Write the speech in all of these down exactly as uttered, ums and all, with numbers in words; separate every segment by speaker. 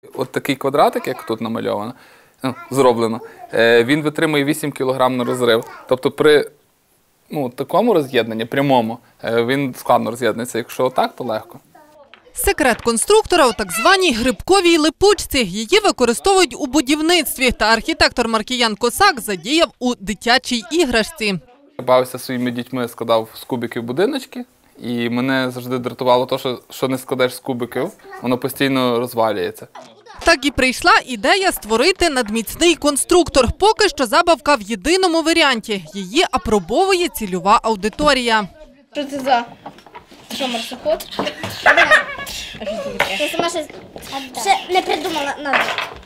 Speaker 1: От такий квадратик, як тут намальовано, ну, зроблено, він витримує вісім кілограм на розрив. Тобто при ну, такому роз'єднанні, прямому, він складно роз'єднується. Якщо отак, то легко.
Speaker 2: Секрет конструктора у так званій грибковій липучці. Її використовують у будівництві. Та архітектор Маркіян Косак задіяв у дитячій іграшці.
Speaker 1: Я бавився зі своїми дітьми, складав з кубиків будиночки. І мене завжди дратувало те, що, що не складеш з кубиків, воно постійно розвалюється.
Speaker 2: Так і прийшла ідея створити надміцний конструктор. Поки що забавка в єдиному варіанті. Її апробовує цільова аудиторія.
Speaker 3: Що це за? Що, марсоход?
Speaker 4: Я сама ще, ще не придумала назви.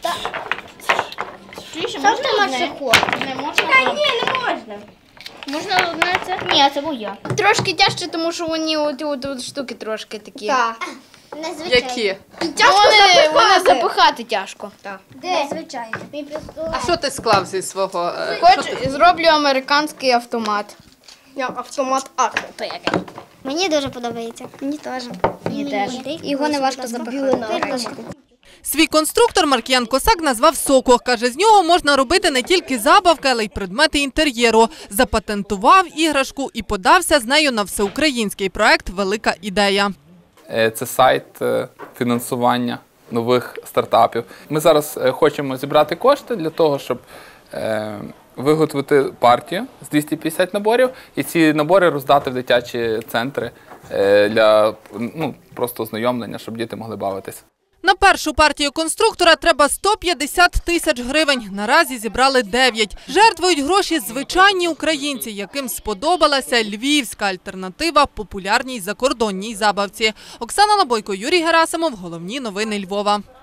Speaker 3: Чуєш,
Speaker 4: Що
Speaker 3: можна
Speaker 4: це
Speaker 3: одне?
Speaker 4: марсоход?
Speaker 3: Не можна?
Speaker 4: Та ні, не можна.
Speaker 3: Можна одне це?
Speaker 4: Ні, це моя.
Speaker 3: Трошки тяжче, тому що вони от, от, от штуки трошки такі.
Speaker 4: Так. Незвичайно.
Speaker 2: Які?
Speaker 3: Тяжко вони, вони запихати тяжко. Так.
Speaker 4: Незвичайно. Мій пістолет.
Speaker 2: А що ти склав зі свого?
Speaker 3: Хочу, зроблю американський автомат.
Speaker 4: Я автомат Ак. То яке? Мені дуже подобається. Мені теж.
Speaker 3: Мені теж.
Speaker 4: Його не важко запихати.
Speaker 2: Свій конструктор Маркіян Косак назвав «Соко». Каже, з нього можна робити не тільки забавки, але й предмети інтер'єру. Запатентував іграшку і подався з нею на всеукраїнський проект «Велика ідея».
Speaker 1: Це сайт фінансування нових стартапів. Ми зараз хочемо зібрати кошти для того, щоб виготовити партію з двісті п'ятдесят наборів і ці набори роздати в дитячі центри для ну, просто ознайомлення, щоб діти могли бавитися.
Speaker 2: На першу партію конструктора треба сто п'ятдесят тисяч гривень. Наразі зібрали дев'ять. Жертвують гроші звичайні українці, яким сподобалася львівська альтернатива популярній закордонній забавці. Оксана Лабойко, Юрій Герасимов. Головні новини Львова.